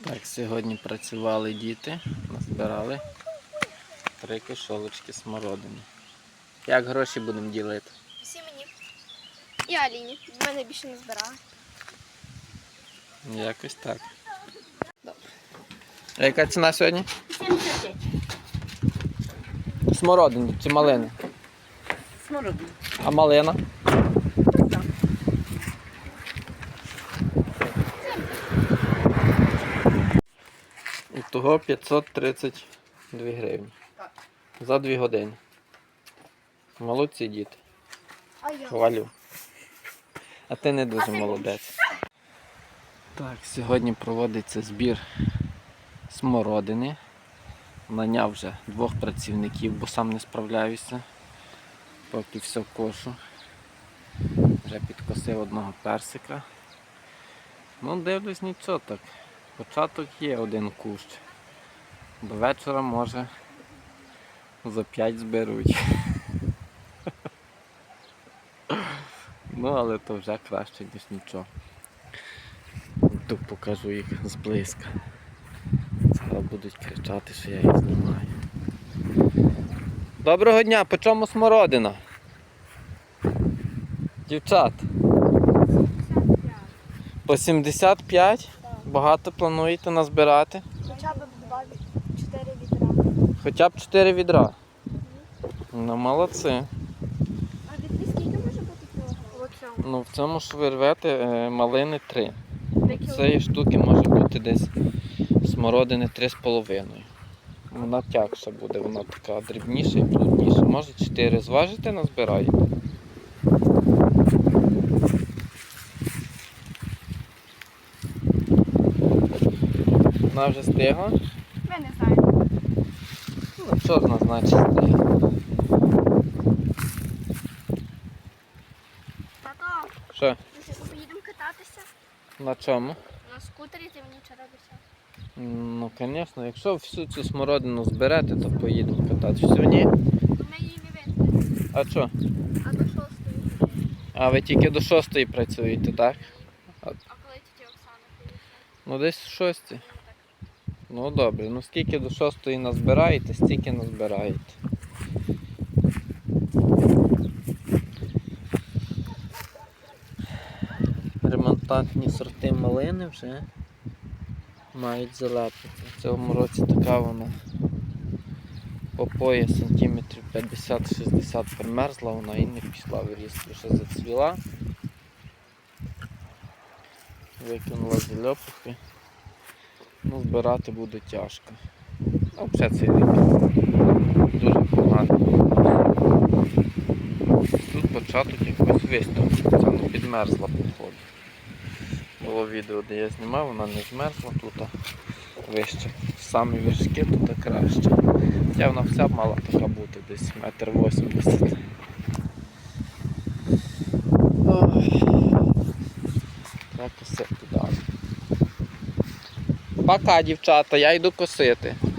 Так, сьогодні працювали діти, назбирали 3 кошолочки смородини. Як гроші будемо ділити? Всі мені. І Аліні. В мене більше не збирали. Якось так. Добре. А яка ціна сьогодні? 75. Смородини чи малини? Смородина. А малина? Того 532 гривні. Так. За 2 години. Молодці діти. А я? Хвалю. А ти не дуже молодець. Так, сьогодні проводиться збір смородини. Наняв вже 2 працівників, бо сам не справляюся. Поки все кошу. Вже підкосив 1 персика. Ну, дивлюсь, нічого так. Початок є 1 кущ. До вечора, може, за 5 зберуть. Ну, але то вже краще, ніж нічого. Тут покажу їх зблизька. Зараз будуть кричати, що я їх знімаю. Доброго дня, по чому смородина? Дівчат? По 75? Багато плануєте назбирати? Хоча б 4 відра. Хоча б 4 відра. Ну, молодці. А відри скільки може бути кілограм? В цьому. Ну, в цьому ж ви рвете малини 3. Де Цієї штуки може бути десь смородини 3,5. Вона тягша буде, вона така дрібніша і плотніша. Може 4 зважите, назбираєте? Вона вже стигла? Ми не знаємо. Ну, чорна, значить стигла. Тато, Що? ми ще поїдемо кататися На чому? на скутері, ти мені вчора обіцяв. Ну, звісно, якщо всю цю смородину зберете, то поїдемо кататися. Сьогодні? Ми її не винесемо. А що? А до 6. А ви тільки до 6 працюєте, так? А коли тітя Оксана приїхала? Ну десь в 6. Ну так. Ну добре, ну скільки до 6 назбираєте, стільки назбираєте. Ремонтантні сорти малини вже мають залепити. В цьому році така вона по пояс сантиметрів 50-60 примерзла, вона і не пішла в ріст, вже зацвіла. Викинула зальопухи. Ну, збирати буде тяжко. Ну, взагалі цей рік дуже погано. Тут початок якось виставки, це не підмерзла походу. Було відео, де я знімав, вона не змерзла, тут вище. Самі вершки тут краще. Хоча вона вся мала така бути, десь 1,80 м. Треба косити далі. Пока, дівчата, я йду косити.